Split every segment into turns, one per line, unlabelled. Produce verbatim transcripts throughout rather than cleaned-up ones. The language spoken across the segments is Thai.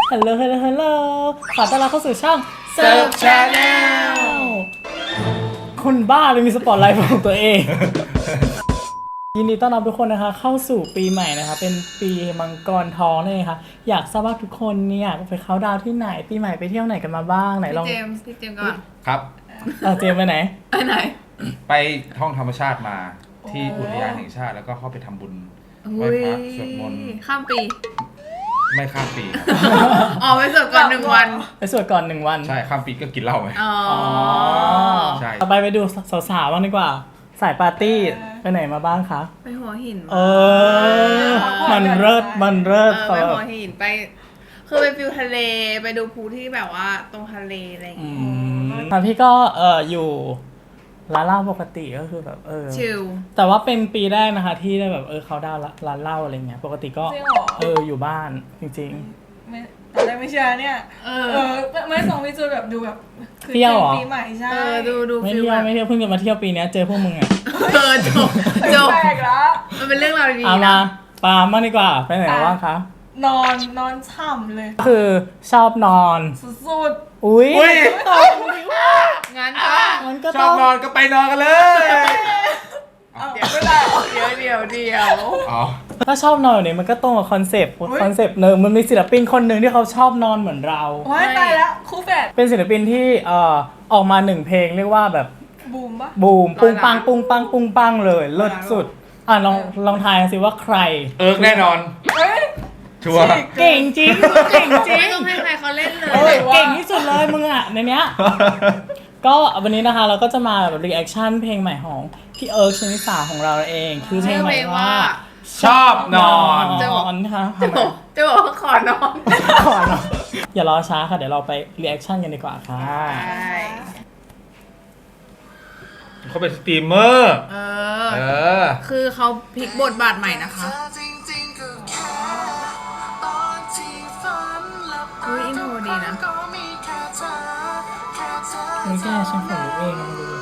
ฮัลโหลฮัลโหลฮัลโหลขอต้อนรับเข้าสู่ช่อง
Surf Channel
คนบ้าเลยมีสปอตไลท์ของตัวเอง ยินดีต้อนรับทุกคนนะคะเข้าสู่ปีใหม่นะคะเป็นปีมังกรทองนี่ค่ะอยากทราบว่าทุกคนเนี่ยไปเขาดาวที่ไหนปีใหม่ไปเที่ยวไหนกันมาบ้างไหนลอง
พี่เจมส์พี่เจมส์ก่อน
ครับ
เออเจมส์ไปไหน
ไปไหน
ไปท่องธรรมชาติมาที่อุทยานแห่งชาติแล้วก็เข้าไปทำบุญไหว้พระสวดมนต์
ข้ามปี
ไม่ข้ามปีครับ
อ๋อไปสวดก่อนหนึ่งวัน
ไปสวดก่อนหนึ่งวัน
ใช่ข้ามปีก็กินเหล้าไหม
อ๋อ
ใช่
ต่อไปไปดูสาวๆบ้างดีกว่าสายปาร์ตี้ไปไหนมาบ้างคะ
ไปหัวหิน
เออมันเลิศมันเลิศ
เออไปหัวหินไปคือไปฟิวทะเลไปดูภูที่แบบว่าตรงทะเลอะไรอย่าง
อื
เงี้ย
มพี่ก็เอออยู่ร้านเหล้าปกติก็คือแบบเออ
ชิล
แต่ว่าเป็นปีแรกนะคะที่ได้แบบเออเขาดาวน์ร้านเหล้าอะไรเงี้ยปกติก็
จริงเหรอ
เอออยู่บ้านจริง
ไม่ตอนแรกไม่เชื่อเนี่ย
เอ
เอ
อ
อไม่ส่งพี่จูแบบดูแบบคือ
เที่ยวเหรอ
ปีใหม่ใช่
เออดูดู
ๆไม่
ฟิล
เที่ย
แบ
ว
บ
ไม่เที่ยวเพิ่งจะมาเที่ยวปีนี้เจอพวกมึงอ่ะ
เออจบจบ
แปลกแล้ว
มันเป็นเรื่องราวดี
เอา
ๆ
มา
นะ
ปาล์มบ้างดีกว่าไปไหนบ้างคะ
นอนนอนฉ่ำเลย
คือชอบนอน
สุด
อุ้ย
อุ้ย
ตอบดีว่า
งั้นก็
มันก็
ช
ต้
อ
อบ ง
นอนก็ไปนอนกันเลย
ๆเอาไม่ได้เหรอ
เดี๋ยวเดี๋ยวเดี๋ยว
อ๋อ
ถ้าชอบนอนแบบนี้มันก็ตรงกับคอนเซปต์คอนเซปต์หนึ่งมันมีศิลปินคนหนึ่งที่เขาชอบนอนเหมือนเรา
ว้ายตายแล้วคู่แฝด
เป็นศิลปินที่เอ่อออกมาหนึ่งเพลงเรียกว่าแบบ
บูมปะ
บูมปุ้งปังปุ้งปังปุ้งปังเลยเลิศสุดอ่ะลองลองทายสิว่าใคร
เอิร์กแน่นอน
เฮ้ย
ชัวร์
เก่งจริงเก่งจริ
ไม่
ง
ต้องให้ใครเขาเล่นเลย
เออเก่งที่สุดเลยมึงอ่ะในเนี้ย ก็วันนี้นะคะเราก็จะมาแบบรีแอคชั่นเพลงใหม่ของพี่เอิร์กชนิสาของเราเอง คือเพลงใหม่ว่า
ชอบนอน
นอนค่ะ
จะบอกจะบอกว่าขอนอน
ขอเนาะอย่ารอช้าค่ะเดี๋ยวเราไปรีแอคชั่นกันดีกว่าค่ะ
ใช่
เขาเป็นสตรีมเมอร์
เอ
เอ
อ
อ
คือเขาพลิกบทบาทใหม่นะคะอุ้ยอินโทรดีนะ
มึงแก้ฉันขนลุกเองนะมึงดู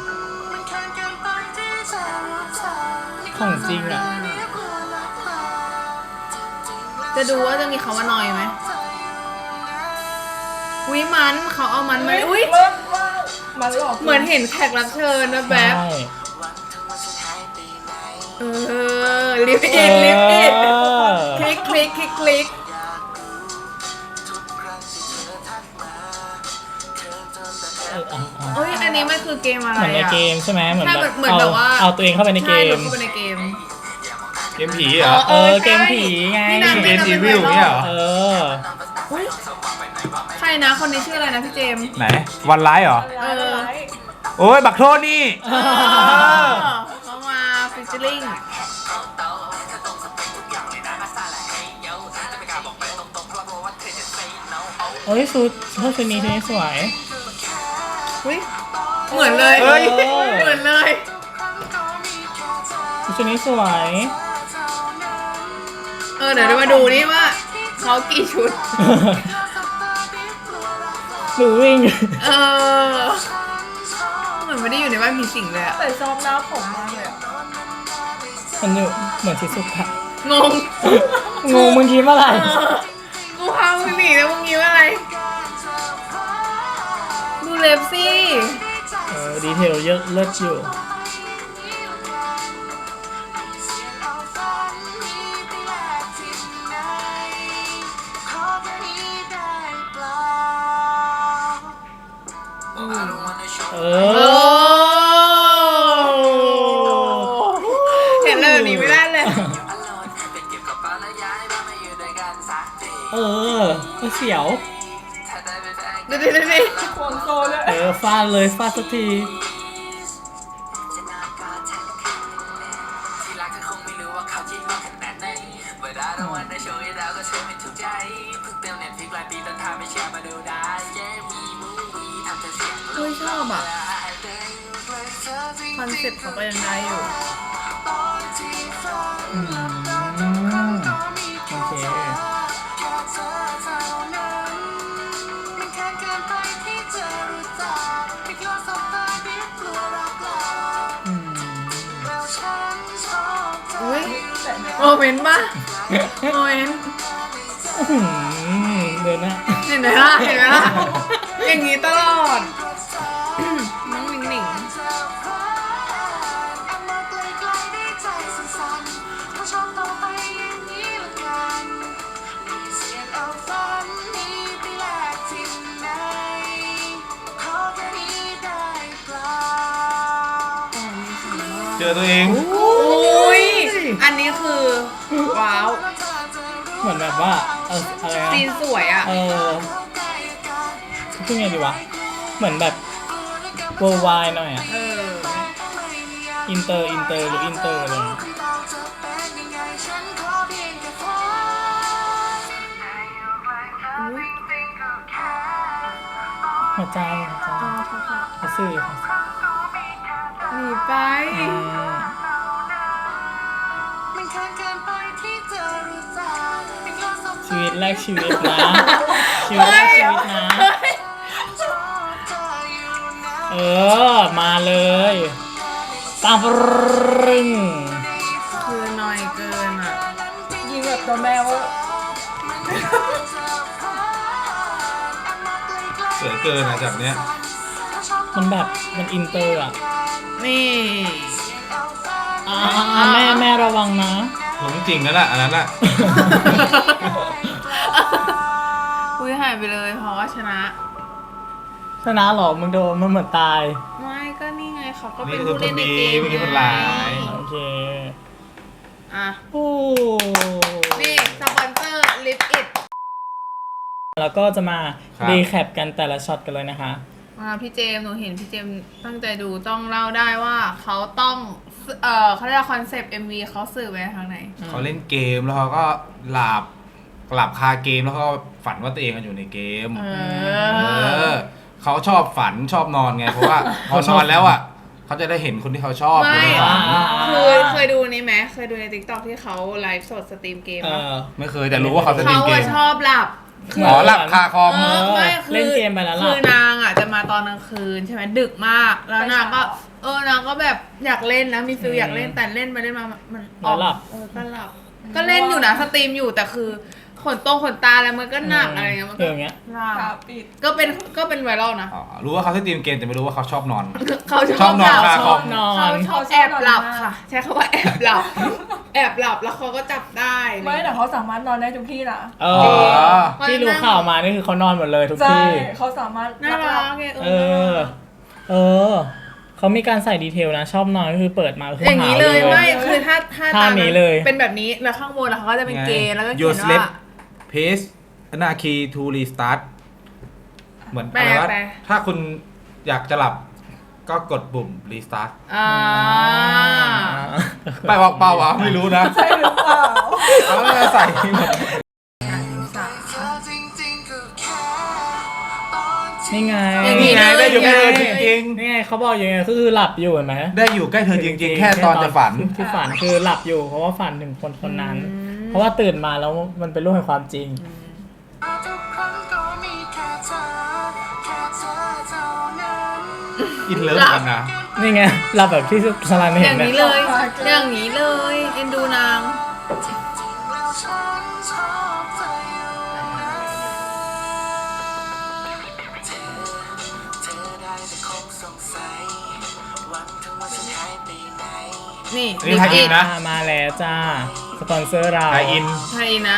ของจริงอ่ะ
จะดูว่าจะมีคำว่านอยไหมอุ้ยมันเขาเอามันมาอุ้ย
เริ่มว่ามันหลอก
เหมือนเห็นแขกรับเชิญนะแบ
ใช่
บเออลิฟต์อินลิฟต์อิน
เออ
คลิกคลิกคลิกคลิก
เออเอาเอา
เอ้ยอันนี้มันคือเกมอะไร
เหมือนใน
อ่ะ
เกมใช่ไหมเหมือน
ใช่
แบบ
เหมือน
เอา
แบบว่า
เอาตัวเองเข้าไปในเก
ใช่ห
ม
ลุดเข้าไปในเกม
เกมผีเหรอ
เออเกมผีไง
นี่นะ
Resident Evil เนี่ยเหรอ
เออ
อุ๊ยใครนะคนนี้ชื่ออะไรนะพี่เจมส์
ไหน วันไลฟ์เหรอ
เออ
โอ้ย บักโทษนี่
เขามาฟิชเชอร์ลิง
เฮ้ยชุดชุดชุดนี้ชุดนี้สวย
อุ้ยเหมือนเลย
เฮ้ย
เหมือนเลย
ชุดนี้สวย
เออเดี๋ยวเรามาดูนี่ว่าเขากี่ชุด
หรือวิ่ง
เออเหมือนไม่ได้อยู่ในบ้านผีสิงเลยอะ
แต่ชอบหน้าผมมากเลยอะ
มันอยู่เหมือนชิซุกะ
งง
งงมึงคิดว่าอะไร
เออกูพามึงหนีแล้วมึงยิ้มอะไร ดูเล็บสิ
เออดีเทลเยอะเลิศอยู่ เอ
โอ้
อ
เห็นเลยแบบนี้ไม่ได้เลย
เออก็เสียว
ดูดิดูดิ
ควงโซเลย
เออฟาดเลยฟาดสักที
เฮ้ยชอบอ่ะคอนเซ็ปต์เขาก็ยังได้อยู่
อืมโอเคอืม
อุ้ยโมเมนต์ป่ะโมเมนต์
อื้อหือเดินหน้า
นไหมล่ะเห็นไหมล่ะอย่างนี้ตลอดน้องหนิงหนิง
เจอตัวเอง
อุ้ยอันนี้คือว้าว
เหมือนแบบว่าเอออะไรนะ
ซีนสวยอ่ะ
เออพูดไงดีวะเหมือนแบบ worldwide หน่อยอ่ะ
เออ
อินเตอร์อินเตอร์หรืออินเตอร์อะไรอย่างเงี้ยหัวใจหัวใจเขาสื่อเขาสื่อ
หนีไป
อืมชีวิตแรกชีวิตนะ ชีวิตแรกชีวิตนะ เออ มาเลยตามรึง
คือหน่อยเกินอ่ะ
ยิงแบบตัวแมวอะ
สวยเกินนะจากเนี้ย
มันแบบมันอินเตอร์อ่ะ
นี่
อ่าแม่แม่ระวังนะ
หลงจริงนั่นแหละอันนั้นแหละ
อุ้ยหายไปเลยเพราะว่าชนะ
ชนะหรอมึงโดนมันเหมือนตาย
ไม่ก็นี่ไงเขาก็เป็
นี่
น
คือ
ผู้
คน
เล่นใน
ดี
เกม
ไม่ใช่คนร้าย
โอเค
อ่ะ
โอ้
นี่สปอนเซอร์ลิปอิด
แล้วก็จะมา
ครับ
รีแคปกันแต่ละช็อตกันเลยนะคะ
มาพี่เจมส์หนูเห็นพี่เจมส์ตั้งใจดูต้องเล่าได้ว่าเขาต้องเออเขาเรียกคอนเซปต์ เอ็ม วี เขาสื่อไปทางไหน
เขาเล่นเกมแล้วเขาก็หลับหลับคาเกมแล้วเขาก็ฝันว่าตัวเองอยู่ในเกม
เอ
เอ
อ
อเขาชอบฝันชอบนอนไง เพราะว่าพอนอนแล้วอ่ะเขาจะได้เห็นคนที่เขาชอบ
ไม่
ในฝัน
คือเคยดูนี่ไหมเคยดูใน ติ๊กต็อก ที่เขาไลฟ์สดสตรีมเกม
เอ
ปะ
อ
ไม่เคยแต่รู้ว่าเขาจะเล่
เขา
นเก
อะ
ม
ชอบหลับ
คือ
อ๋อหลับคาคอม
เออไม่คือ
เล่นเกมไปแล้วหลับ
คือนางอ่ะจะมาตอนกลางคืนใช่ไหมดึกมาก แล้วนางก็ เออนางก็แบบอยากเล่นนะมีฟิลอยากเล่นแต่เล่นไปเล่นมามัน
แล้วหลับ
เออก็หลับ ก็เล่นอยู่นะสตรีมอยู่แต่คือขนตรงขนตาอะไรมันก็หนักอะไรเงี้ยมัน
เอ
ก็
ออย่างเงี้ย
หลั
ตา
บ
ปิด
ก็เป็นก็เป็นไวรัลนะ
อ๋อรู้ว่าเขาจะตีมเกมแต่ไม่รู้ว่าเขาชอบนอน
เขา
ชอบนอน
หลั
คา
บ
คอม
นอน
เขาชอบแอบหลับค่ะ ใช้คำว่าแอบหลับ แอบหลับแล้วเขาก็จับได้
ไม่แต่เขาสามารถนอนได้ทุกที่นะ
เอ
อ๋
อ
อ
ที่รู้ข่าวมานี่คือเขานอนหมดเลยทุก
ใช่
ที่
เขาสามารถ
น่ารักไง
เออ เออ เขามีการใส่ดีเทลนะ ชอบนอนก็คือเปิดมาคือ
อย่างนี้
หาว
เลย
เลย
ไม่คือถ้าถ้า
ท่า
ตาม
นี้เลย
เป็นแบบนี้แล้วข้างบนแล้วเขาก็จะเป็นเกย์แล้วก็เขี
Your
ยน
sleep
ว่า
pace หน้า key to restart เหมือน
แปล
อะไรวะ
แปล
ถ้าคุณอยากจะหลับก็กดปุ่ม restart
อ่า
ไปบอกเปล่าวะไม่รู้นะ
ใช่หรือเปล่า
เขาจะใส่หมด
นี่ไง
อย่างนี้
นี่ไงได้อยู่ใกล้เธอจริง
นี่ไงเขาบอกอย่างไงก็คือหลับอยู่เห็นไหม
ๆได้อยู่ใกล้เธอจริง ๆ แค่ตอนจะฝัน
ที่ฝันคือหลับอยู่เพราะว่าฝันถึงคนคนนั้น เพราะว่าตื่นมาแล้วมันเป็นรูปแห่งความจริง
อินเลิฟกันนะ
นี่ไงหลับแบบที่สลัน
อ
เห็น
ย่าง
เนี่
นี้
ย
เลย อย่างนี้เลยเอ็นดูนาง นี่
นี่ไทยอินนะ
อ่ามาแล้วจ้า สปอนเซอร์เรา
ไทยอิน
ไทยนะ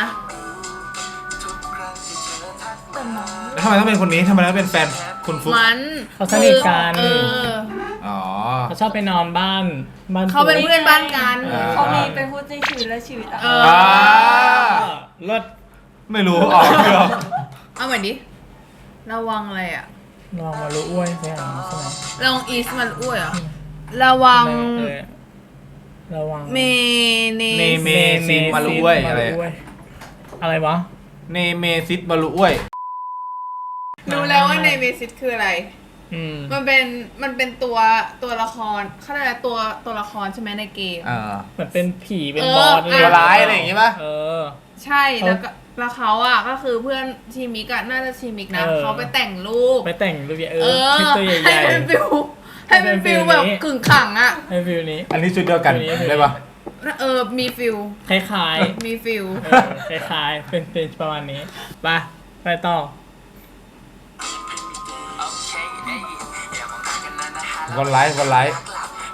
แล้วทำไมต้องเป็นคนนี้ทำไมต้องเป็นแฟนคุณฟุ๊ก
มัน
เขาสนิทกัน
เออ
อ๋อ
เขาชอบไปนอนบ้านบ้าน
เขาเป็นเพื่อนบ้านกัน
อ่า
เขามีเป็นคู่จริงชีวิตและชีวิตอ่ะ
เออ
อ่า
เลิศ
ไม่รู้ออกไม่ออก
เอาใหม่ดิ ระวังอะไรอ่ะ
ลองมารู้อ้วยใช่ไหมใช่ไหม
ระวังอีสมันอ้วยเหรอ ระวัง
เออระวัง
เมเน
เนเมซินมาลุอ้วยอะไร
มาลุ้ยอะไรวะ
เนเมซิดมาลุอ้วย
รู้แล้วว่าในเมซิสคืออะไร
อืม
มันเป็น มันเป็นตัว ตัวละครเขาเรียกอะไรตัว ตัวละครใช่ไหมในเกม
เออ
เหมือนเป็นผีเป็น
เออ
บอส
อ่ะ
ตัวร้ายอะไรอย่างงี้ป่ะ
เออ
ใช่ แล้วก็ แล้วเขาอ่ะ ก็คือเพื่อนชีมิกอะน่าจะชีมิกนะ
เออ
เขาไปแต่งรูป
ไปแต่งรูปใหญ่เอ
เอ
อ
อ
คลิปตัวให
ให้
ญ่
เป็นฟิลให้เป็นฟิล
ให้เป็นฟิล
แบบ
นี้
กึ่งขังอ่ะ
ๆให้ฟิลนี้
อันนี้ชุดเดียวกัน
ตัวนี้
ได้ปะ
เออ มีฟิล
คล้ายๆ
มีฟิล
เออคล้ายๆเป็นเป็นประมาณนี้ไปไปต่อ
วันไลฟ์วันไลฟ์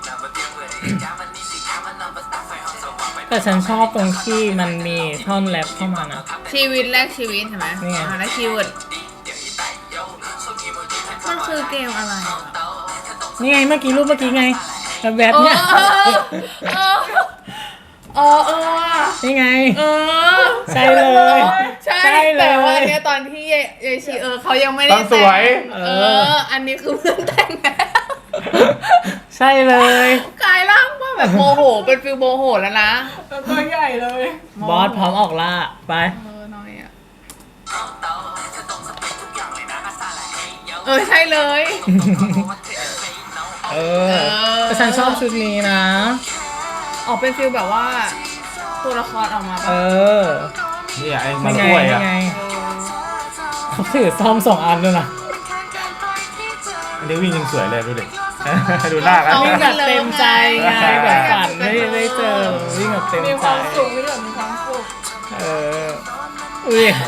แต่ฉันชอบตรงที่มันมีท่อนแรปเข้ามานะ
ชีวิตแรกชีวิตใช่ไหม
นี่ไง
อ่าแล้วคีย์เวิร์ดมันคือเกมอะไรอะ
นี่ไงเมื่อกี้รูปเมื่อกี้ไงแบบแบบ
เออ
เนี่ย
เออเออเออเออว่ะ
นี่ไง
เออ
ใช่เลย
ใช่
ใช่เลย
แต่ว่าเนี่ยตอนที่ยายยายชีเออเขายังไม่ได้
ต้องสวย
แต่งเออ อันนี้คือเพื่อนแต่งนะ
ใช่เลย
กลายร่างว่าแบบโมโหเป็นฟิลโมโหแล้วนะ
แล้วตัวใหญ่เลย
บอสพร้อมออกล่าไป
เออน้อยอ่ะเออใช่เลย
เอ
เอ
อ
อ
แต่ฉันชอบชุดนี้นะ
ออกเป็นฟิลแบบว่า ตัวละครออกมา
เอ
ปะ
อ
นี่ไอ้มั
นี่
น
ไง
กล้วย
นี่
อ่ะ
ไงเขาถือซ่อมสองอันด้วยนะ
อันนี้วิ่งยังสวยเลยดูดิ ดูหน้ากัน
วิ่งแบบเต็มใจไงแบบฝันไม่ได้เจอวิ่งแบบเต็ม
มี
ใจ
ความสุขไม่ได้มีความสุข
เอออุ้ย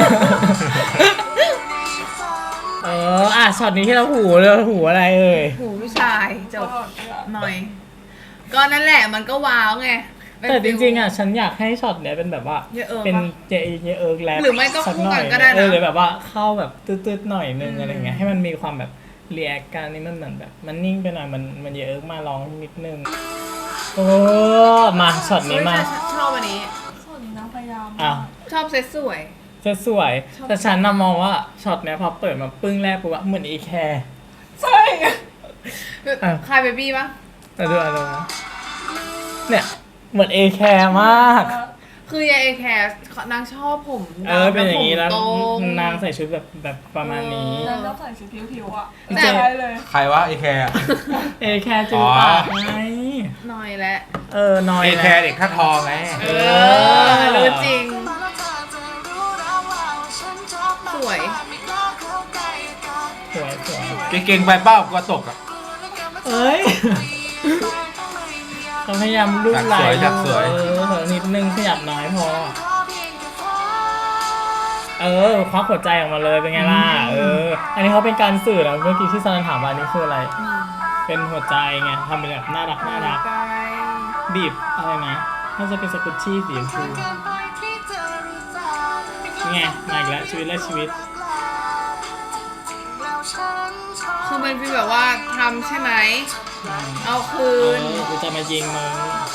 เอออ่ะช็อตนี้ที่เราหูเลยหูอะไรเอ่ย
หูผู้ชายจบหน่อย ก็นั่นแหละมันก็ว้าวไงเป็น
แต่จ
ฟิล
ริงๆอ่ะฉันอยากให้ช็อตเนี้ยเป็นแบบว่า
เยอะเอิร์ก
เป็น
ปะ
เจเยเอิร์กแรป
หรือไม่ก็
สั
คู่
หน่
กั
อน ย
ก็ได้นะ
เออหรือแบบว่าเข้าแบบตืดๆหน่อยนึง
อืม
อะไรเงี้ยให้มันมีความแบบเรียกการนี่มันเหมือนแบบ มันนิ่งไปหน่อยมันมันเยเอิร์กมาร้องนิดนึงโอ้มาช็อตนี้มา
เฮ้ยฉันชอบอันนี้
ส่วนนี้นางพยายาม
อ้าว
ชอบเซตสวย
จะสวย
ชอบ
แต่ฉันน่ะมองว่าช็อตเนี้ยพอเปิดมาปึ้งแรกปุ๊บอะเหมือนอีแคร์
ใช่
อ่ะ
คายเบบี้ปะ
แต่ดูอะไรนะเนี่ยเหมือนเอแคร์มาก
คือยายเอแคร์นางชอบผม
เออเป็นอย่างนี้
นี้
แล้ว
ตรง
นางใส่ชุดแบบแบบประมาณนี้
นางต้องใส่ชุดผิวๆอ่ะ
แต่
ใช่เลย
ใครวะไอแคร์
เอแคร์จูปากไง
หน่อยแหละ
เออนอย
ไอ
แล้ว
แคร์เด็กท่าทองไง
เออรู้จริง สวย
สวยสวย
เก่งๆไปเป้ากลัวตกอ่ะ
เอ้ยเขาพยายามรูปไหล
อยากสวย
เออนิดนึงขยับน้อยพอ เออควักหัวใจออกมาเลยเป็นไงล่ะเออ อันนี้เขาเป็นการสื่อแล้วเมื่อกี้ที่ซันถามว่าอันนี้คืออะไร เป็นหัวใจไงทำเป็นแบบน่ารักน่ารัก บีบอะไรนะน่าจะเป็นสกุชชี่สีชมพูนี่ไงมาอีกแล้วชีวิตและชีวิต
คือมันเป็นแบบว่าทำใช่ไหม
อืม
เอาคื
เอน อกูจะมายิงมึง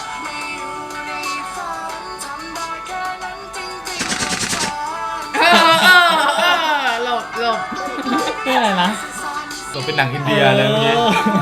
เออเออเออหลบหลบ
นี่อะไรนะ
ตัวเป็นหนังอินเดียเลยเมื่อกี้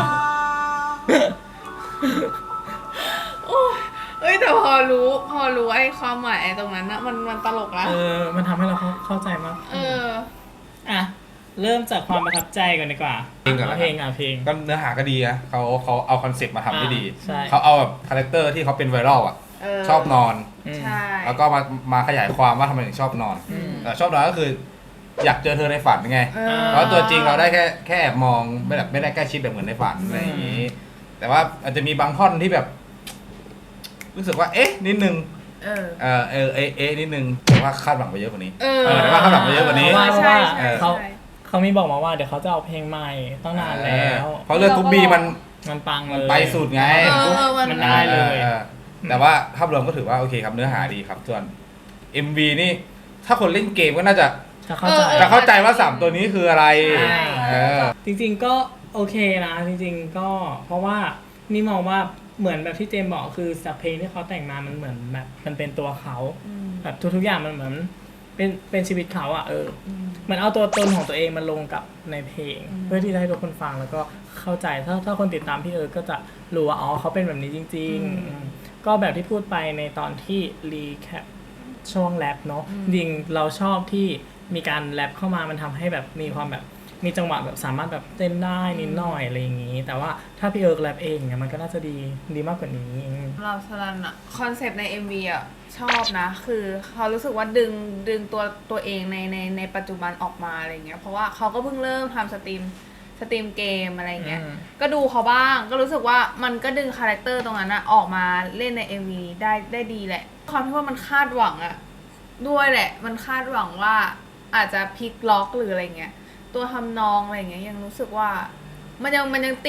โอ้ยเอ้ยแต่พอรู้พอรู้ไอ้ความหมายไอ้ตรงนั้นนะมันมันตลกละ
เออ มันทำให้เราเข้าเข้าใจมาก
เออ
อ่ะ เริ่มจากความประทับใจก่อนดีกว่า
เพลงก่อน
เอา
นะ
เพลงอ่ะเพลง
ก็เนื้อหาก็ดีนะเขาเขาเอาคอนเซ็ปต์มาทำได้ดี
อ่าใช่
เขาเอาแบบคาแรคเตอร์ที่เขาเป็นไวรัลอ่ะ
เออ
ชอบนอน
อืม
ใช่
แล้วก็มามาขยายความว่าทำไมถึงชอบนอน
อืม
แต่ชอบนอนก็คือ อยากเจอเธอในฝันไง
เออ
เพราะตัวจริงเราได้แค่แค่แอบมองไม่แบบไม่ได้ใกล้ชิดแบบเหมือนในฝันอะไรอย่างนี้ แต่ว่าอาจจะมีบางท่อนที่แบบ รู้สึกว่า เอ๊ะ นิดนึง
เออ
เออเออเอ๊ะเอ๊ะนิดนึงแต่ว่าคาดหวังไปเยอะกว่านี้
เออ
เออแต่ว่าคาดหวังไปเยอะกว่านี้
เพราะว่าเพราะ
ใช่
ว่า
ใช่
เขา
ใช่
เขามีบอกมาว่าเดี๋ยวเขาจะเอาเพลงใหม่ตั้งนานแล้ว
เพราะเรื่องทุกบีมัน
มันปังเล
มัน
ย
ไปสุดไง
เออมัน
มันได้เลย
ออแต่ว่าภาพรวมก็ถือว่าโอเคครับเนื้อหาดีครับ ส่วน เอ็ม วี นี่ ถ้าคนเล่นเกมก็น่าจะ
จะเข้าใจ
เออ
จะเข้าใจว่าสามตัวนี้คืออะไร
ใช่
เออ
จริงๆก็โอเคนะจริงๆก็เพราะว่านี่มองว่าเหมือนแบบที่เจมส์บอกคือจากเพลงที่เขาแต่งมามันเหมือนแบบมันเป็นตัวเขา
อืม
แบบทุกๆอย่างมันเหมือนเป็นเป็นชีวิตเขาอะเออ
อืม
เหมือนเอาตัวตนของตัวเองมาลงกับในเพลง
อืม
เพื่อที่จะให้ทุกคนฟังแล้วก็เข้าใจถ้าถ้าคนติดตามพี่เอิร์ธก็จะรู้ว่าอ๋อเขาเป็นแบบนี้จริง
อืม
ๆอืมก็แบบที่พูดไปในตอนที่รีแคปช่วงแรปเนาะ
อืม
จริงเราชอบที่มีการแรปเข้ามามันทำให้แบบมีความแบบมีจังหวะแบบสามารถแบบเต้นได้นิดหน่อยอะไรอย่างนี้ แต่ว่าถ้าพี่เอิร์ธแรปเองเนี่ยมันก็น่าจะดีดีมากกว่านี้อืม
เราสลันอะคอนเซปต์ใน เอ็ม วี อะชอบนะ คือเขารู้สึกว่าดึงดึงตัวตัวเองในในในปัจจุบันออกมาอะไรเงี้ยเพราะว่าเขาก็เพิ่งเริ่มทำสตรีมสตรีมเกมอะไรเงี้ย
อืม
ก็ดูเขาบ้างก็รู้สึกว่ามันก็ดึงคาแรคเตอร์ตรงนั้นอะออกมาเล่นใน เอ็ม วี ได้ได้ดีแหละความที่ว่ามันคาดหวังอะด้วยแหละ มันคาดหวังว่าอาจจะพลิกล็อกหรืออะไรเงี้ยตัวทำนองอะไรเงี้ยยังรู้สึกว่ามันยังมันยังติด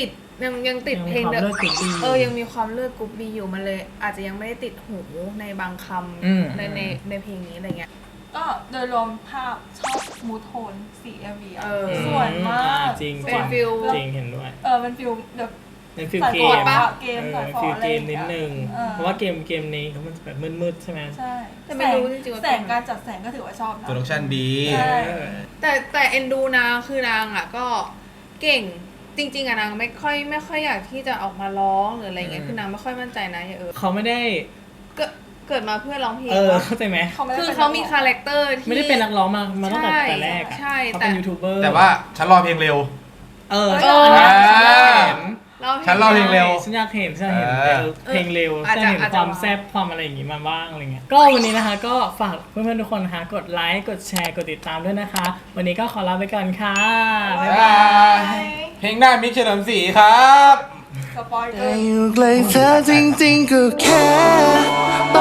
ยังยังติด
ยัง
เพ
มี
ลง
ความ
เดิม
เลือดกรุ๊ปบี
เออยังมีความเลือดกรุ๊ปบีอยู่มันเลย อาจจะยังไม่ได้ติดหูในบางค
อืม
ำในในในเพลงนี้อะไรเงี้ย
ก็โดยรวมภาพชอบมูทโทนสี เอ็ม วี อ่ะ
เออ
สวยมาก
จริง
ส
จ
วย
ริง
ฟิล
จริงเห็นด้วย
เออมันฟิลแบบ
เป็นฟิล
สาย
เก
ฟอ
ม
ร์ดปะเกม
เอ
สา
อย
ฟอ
ฟิล
ร์ดอะไร
เก
อ
ม
ย่าง
นิ
เงี้
ด
ย
นึง
เออ
เพราะว่าเกมเกมนี้เขามันจะแบบมืดๆใช่ไหม
ใช่
แต่ไม่รู้จริงๆว่า
แสงการจัดแสงก็ถือว่าชอบนะ
โปรดักชั่นดี
ใช่
เออ
แต่แต่เอ็นดูนางคือนางอ่ะก็เก่งจริง ๆอะนางไม่ค่อยไม่ค่อยอยากที่จะออกมาร้องหรืออะไรเงี้ยคือนางไม่ค่อยมั่นใจนะอย่าเออ
เขาไม่ได้
เกิดเกิดมาเพื่อร้องเพลง
เออ
วะ
เข้าใจไหม
เขาไม่ได้
คือ
ป็น
เขามี
นักร้อง
คาแรคเตอร์ที่
ไม่ได้เป็นนักร้องมามาตั้งแต่
ใช่
แต่แรกอะ
ใช่
เขา
แต่
เป็นยูทูบเบอร์
แต่ว่าฉันรอเพลงเร็ว
เออ
เออ
ฉันอยากเห็น
ฉันเล่าเพลงเร็ว
ฉันอยากเห็นฉันอยากเห็น
เออ
เพลงเร็ว
อาจ
ฉัน
จะ
เห็น
อาจ
ค
จะ
วามแซ่บความอะไรอย่างงี้มาบ้างอะไรเงี้ยก็วันนี้นะคะก็ฝากเพื่อนๆทุกคนนะคะกดไลค์กดแชร์กดติดตามด้วยนะคะ วันนี้ก็ขอลาไปก่อนค่ะบ๊ายบาย
เพลงหน้ามิกเฉลิมศรีครับ
สปอยเกอ
แต่
ร์
อยู่ไกลเธอจริงๆก็แค่